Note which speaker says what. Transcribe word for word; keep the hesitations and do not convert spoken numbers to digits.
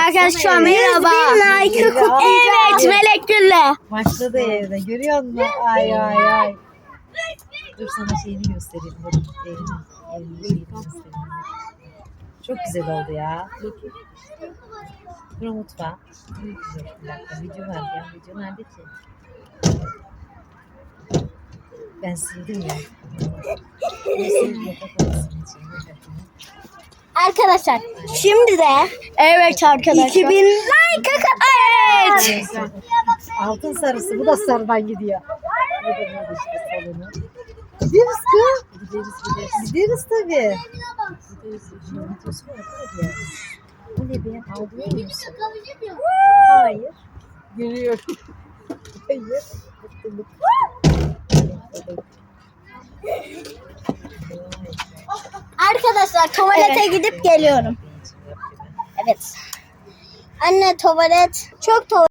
Speaker 1: arkadaşlar merhaba. Evet Melek Gül'le.
Speaker 2: Başladı evde. Görüyor musun? Ay ay ay. Dur sana şeyini göstereyim. Dur. Evini, evini şeyini göstereyim. Çok güzel oldu ya. Dur mutfağa. Bir dakika. Video var ya. Video nerede ki? Ben sildim ya. Ben sildim.
Speaker 1: Arkadaşlar şimdi de evet arkadaşlar. iki bin like evet.
Speaker 2: Altın sarısı. Bu da sarıdan gidiyor. Bu da böyle işte salonu. Gideriz kız. Gideriz gideriz. Gideriz tabii. Gideriz. Videosu var tabii. Bu ne be? Aldın mısın? Hayır. Görüyorum. Hayır. Mutluluk.
Speaker 1: Arkadaşlar tuvalete evet. gidip geliyorum. Evet. Anne tuvalet çok tuvalet.